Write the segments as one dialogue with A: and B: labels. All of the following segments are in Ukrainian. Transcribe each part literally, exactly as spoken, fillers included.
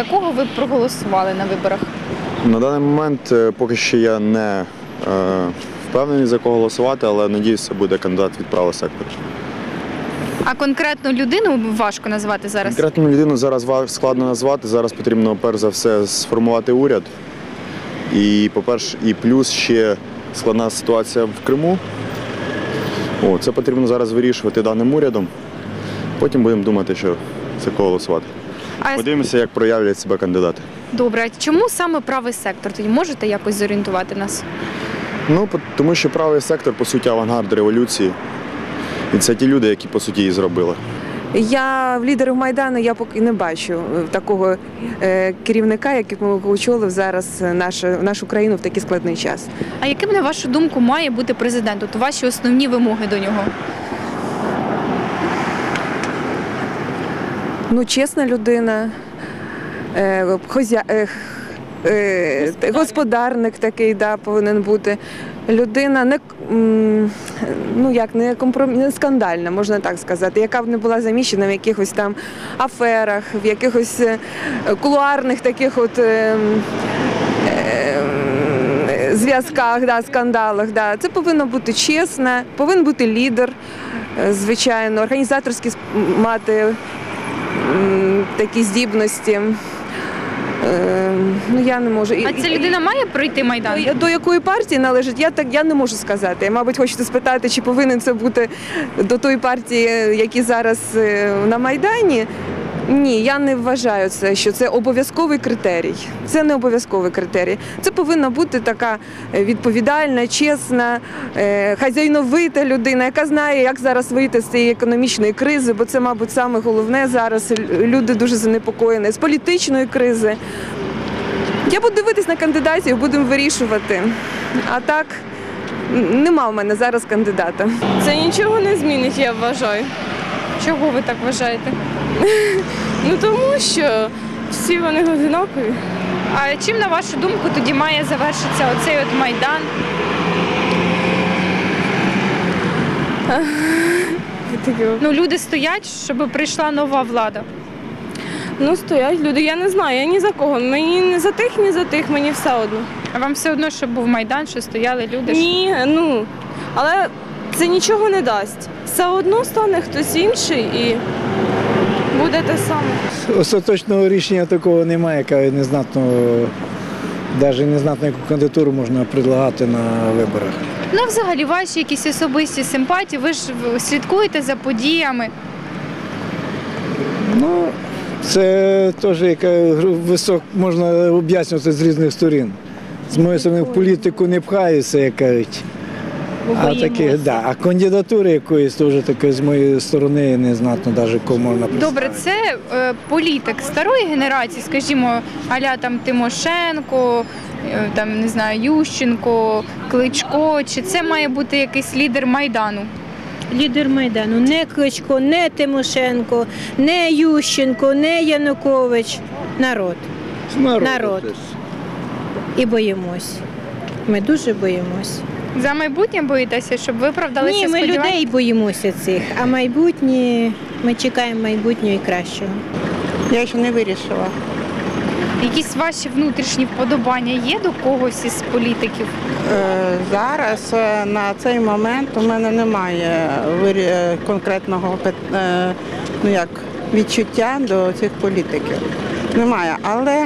A: кого ви б проголосували на виборах?
B: На даний момент е, поки що я не е, впевнений, за кого голосувати, але надіюсь, це буде кандидат від правого сектору.
A: А конкретну людину важко назвати зараз?
B: Конкретну людину зараз ва- складно назвати. Зараз потрібно перш за все сформувати уряд. І, по-перше, і плюс ще складна ситуація в Криму. О, це потрібно зараз вирішувати даним урядом. Потім будемо думати, що за кого голосувати.
A: А
B: Подивимося, як проявлять себе кандидати.
A: добре, а чому саме правий сектор? Тоді можете якось зорієнтувати нас?
B: Ну, по- тому що правий сектор, по суті, авангард революції. І це ті люди, які, по суті, її зробили.
C: Я в лідерів Майдану я поки не бачу такого е, керівника, який очолив зараз нашу, нашу країну в такий складний час.
A: А яким, на вашу думку, має бути президент? От ваші основні вимоги до нього?
C: Ну, чесна людина, е, хозя... е, е, господарник такий, да, повинен бути. Людина не, м, ну, як, не, компром... не скандальна, можна так сказати, яка б не була заміщена в якихось там аферах, в якихось е, кулуарних таких от е, е, зв'язках, да, скандалах. Да. Це повинно бути чесно, повинен бути лідер, е, звичайно, організаторські сп- мати м, такі здібності. Е, ну, я не можу.
A: А ця людина має пройти Майдан?
C: До, до якої партії належить, я так я не можу сказати. Мабуть, хочете спитати, чи повинен це бути до тої партії, які зараз е, на Майдані. Ні, я не вважаю це, що це обов'язковий критерій. Це не обов'язковий критерій. Це повинна бути така відповідальна, чесна, е, хазяйновита людина, яка знає, як зараз вийти з цієї економічної кризи, бо це, мабуть, саме головне зараз. Люди дуже занепокоєні з політичної кризи. Я буду дивитись на кандидатів, будемо вирішувати. А так, нема в мене зараз кандидата.
D: Це нічого не змінить, я вважаю.
A: Чого ви так вважаєте?
D: Ну тому що всі вони одинакові.
A: А чим, на вашу думку, тоді має завершитися оцей от Майдан? Ну, люди стоять, щоб прийшла нова влада.
D: Ну стоять люди, я не знаю, я ні за кого. Мені не за тих, ні за тих, мені все одно.
A: А вам все одно, щоб був Майдан, що стояли люди? що-
D: Ні, ну, але це нічого не дасть. Все одно стане хтось інший і буде те саме.
E: Остаточного рішення такого немає, яка незнатно, навіть незнатно, яку кандидатуру можна предлагати на виборах.
A: Ну, взагалі, ваші якісь особисті симпатії, ви ж слідкуєте за подіями.
E: Ну, це теж яка висок можна об'яснювати з різних сторін. З моєї сторони, в політику не пхаюся, як кажуть. А, такі, да, а кандидатури якоїсь теж таке з моєї сторони незнатно, навіть кого можна представити.
A: Добре, це е, політик старої генерації, скажімо, а-ля там Тимошенко, е, там, не знаю, Ющенко, Кличко, чи це має бути якийсь лідер Майдану?
F: Лідер Майдану. Не Кличко, не Тимошенко, не Ющенко, не Янукович. Народ.
E: Народ.
F: Народ. І боїмось. Ми дуже боїмось.
A: За майбутнє боїтеся, щоб виправдалися
F: Ні, ми
A: сподівання?
F: людей боїмося цих, а майбутнє, ми чекаємо майбутнього і кращого.
G: Я ще не вирішила.
A: Якісь ваші внутрішні вподобання є до когось із політиків?
G: Е, Зараз е, на цей момент у мене немає вирі- е, конкретного пит- е, ну як, відчуття до цих політиків. Немає. Але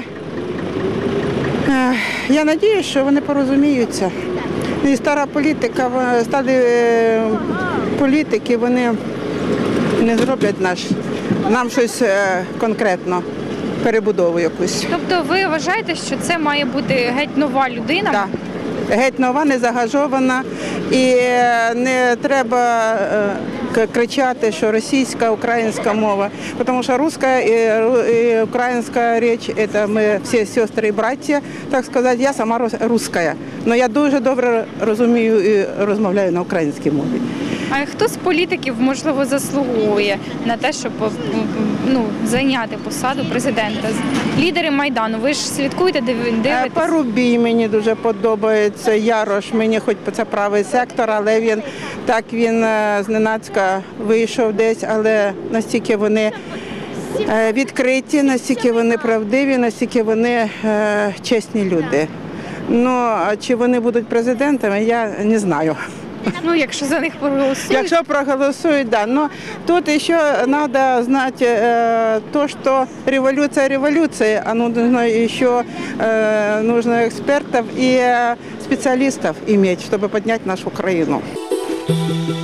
G: е, я сподіваюся, що вони порозуміються. І стара політика, в- старі е, політики, вони не зроблять наш, нам щось е, конкретно, перебудову якусь.
A: Тобто ви вважаєте, що це має бути геть нова людина?
G: Так. Геть нова, не загажована, і е, не треба е, к- кричати, що російська, українська мова, тому що руська і, ру- і українська річ – це ми всі сестри і браття, так сказати. Я сама рус- руська, але я дуже добре розумію і розмовляю на українській мові.
A: А хто з політиків, можливо, заслуговує на те, щоб ну, зайняти посаду президента? Лідери Майдану, ви ж слідкуєте, див-
G: Е,
A: дивитесь?
G: Парубій мені дуже подобається, Ярош, мені хоч це правий сектор, але він так він е, зненацька вийшов десь, але настільки вони е, відкриті, наскільки вони правдиві, наскільки вони е, чесні люди. Ну, а чи вони будуть президентами, я не знаю.
A: Ну, якщо за них проголосують.
G: Якщо проголосуют, да. Но тут еще надо знать э, то, что революция революции, а нужно еще э, нужно экспертов и э, специалистов иметь, чтобы поднять нашу Украину.